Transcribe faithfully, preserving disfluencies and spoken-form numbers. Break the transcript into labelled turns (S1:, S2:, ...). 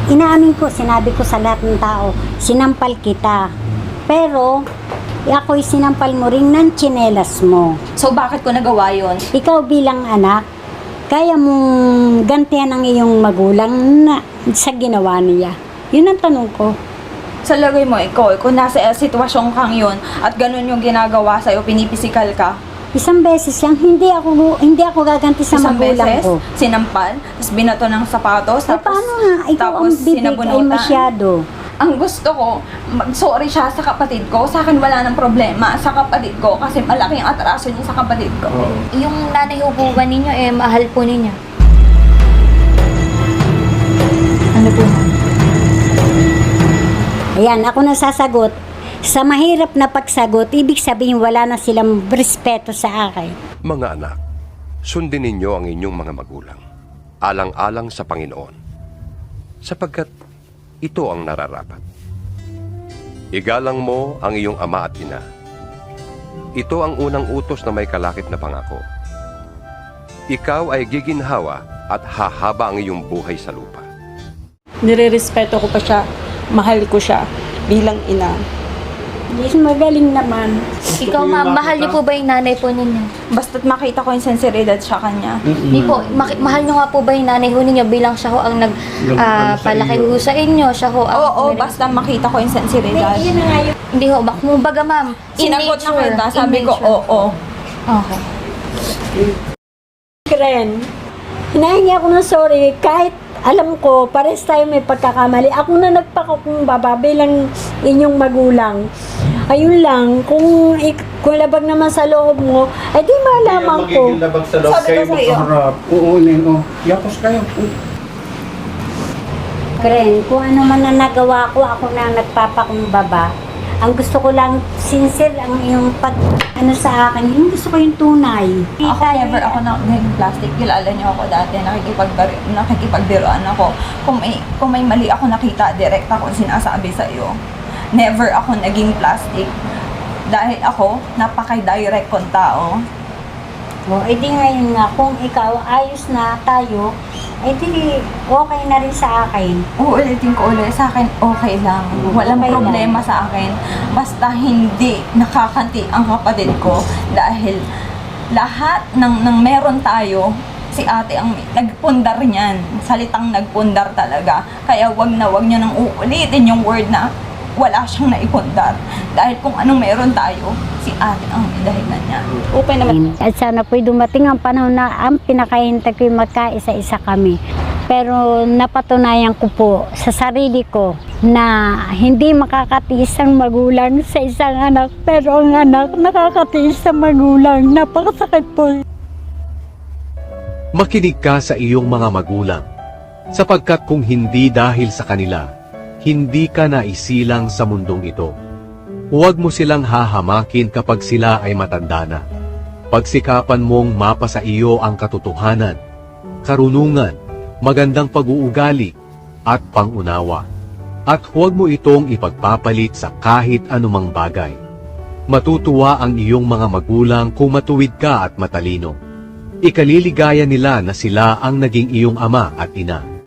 S1: Inaamin ko, sinabi ko sa lahat ng tao, sinampal kita. Pero, ako'y sinampal mo rin ng tsinelas mo.
S2: So bakit ko nagawa yun?
S1: Ikaw bilang anak, kaya mong gantihan ang iyong magulang na sa ginawa niya. Yun ang tanong ko.
S2: Sa lagay mo, ikaw, kung nasa sitwasyon kang yun at ganun yung ginagawa sa'yo, pinipisikal ka,
S1: Isang beses yan, hindi ako hindi ako gaganti sa
S2: isang
S1: magulang
S2: beses,
S1: ko.
S2: sinampal, tapos binato ng sapatos,
S1: Eh,
S2: tapos,
S1: paano nga? Ikaw
S2: tapos
S1: ang bibig ay
S2: sinabunutan.
S1: masyado.
S2: Ang gusto ko, mag-sorry siya sa kapatid ko. Sa akin wala ng problema sa kapatid ko kasi malaki ang atraso niya sa kapatid ko.
S3: Yung nanay ho po ba ninyo, eh, mahal po ninyo?
S2: Ano po?
S1: Ayan, ako na sasagot. Sa mahirap na pagsagot, ibig sabihin wala na silang respeto sa akin.
S4: Mga anak, sundin ninyo ang inyong mga magulang, alang-alang sa Panginoon, sapagkat ito ang nararapat. Igalang mo ang iyong ama at ina. Ito ang unang utos na may kalakip na pangako. Ikaw ay giginhawa at hahaba ang iyong buhay sa lupa.
S5: Nirerespeto ko pa siya, mahal ko siya bilang ina.
S1: Yes, magaling naman.
S3: Ikaw ma'am, mahal niyo po ba yung nanay po ninyo?
S2: Basta't makita ko yung sinseridad sa kanya.
S3: Hindi po, maki- mahal niyo nga po ba yung nanay ho ninyo bilang siya ho ang nag ah, palaki ho sa inyo, siya ho ang...
S2: Oo, oo, basta makita ko yung sinseridad.
S3: Hindi ho, bak kumbaga ma'am, in
S2: Sinagot na
S3: nature,
S2: kita,
S3: in
S2: sabi ko,
S3: nature.
S2: oo.
S3: Okay.
S1: Kren, hinahingi ako ng sorry kahit alam ko, pares tayo may pagkakamali. Ako na nagpakumbaba bilang inyong magulang. Ayun lang, kung, ik- kung labag naman sa loob mo, ay di malaman ko.
S6: Magiging labag sa loob
S2: Sabi
S6: kayo
S2: ko sa'yo.
S6: magkaharap. Uunin, oh. Yapos kayo.
S1: Kren, kung ano man na nagawa ko, ako na nagpapakumbaba. Ang gusto ko lang, sincere ang iyong pag, ano sa akin, yung gusto ko yung tunay.
S2: Ako never ako na naging plastic. Kilala niyo ako dati, nakikipagbar nakikipagbiruan ako. Kung may, kung may mali ako nakita, direct ako sinasabi sa iyo. Never ako naging plastic. Dahil ako, napaka-direct kong tao.
S1: O, edi ngayon nga, kung ikaw ayos na tayo, edi okay na rin sa akin.
S2: Uulitin ko ulit, sa akin okay lang. Walang
S1: Okay lang.
S2: problema sa akin. Basta hindi nakakanti ang kapatid ko dahil lahat ng, ng meron tayo, si ate ang nagpundar niyan. Salitang nagpundar talaga. Kaya wag na wag niyo nang uulitin yung word na wala siyang naipundar. Dahil kung anong meron tayo, si ate ang may dahilan niya.
S5: Okay naman.
S1: At sana po'y dumating ang panahon na ang pinakahintay ko'y magkaisa-isa kami. Pero napatunayan ko po sa sarili ko na hindi makakatiis ang magulang sa isang anak. Pero ang anak nakakatiis sa magulang. Napakasakit po.
S7: Makinig ka sa iyong mga magulang, sapagkat kung hindi dahil sa kanila, hindi ka naisilang sa mundong ito. Huwag mo silang hahamakin kapag sila ay matanda na. Pagsikapan mong mapasa iyo ang katotohanan, karunungan, magandang pag-uugali, at pangunawa. At huwag mo itong ipagpapalit sa kahit anumang bagay. Matutuwa ang iyong mga magulang kung matuwid ka at matalino. Ikaliligaya nila na sila ang naging iyong ama at ina.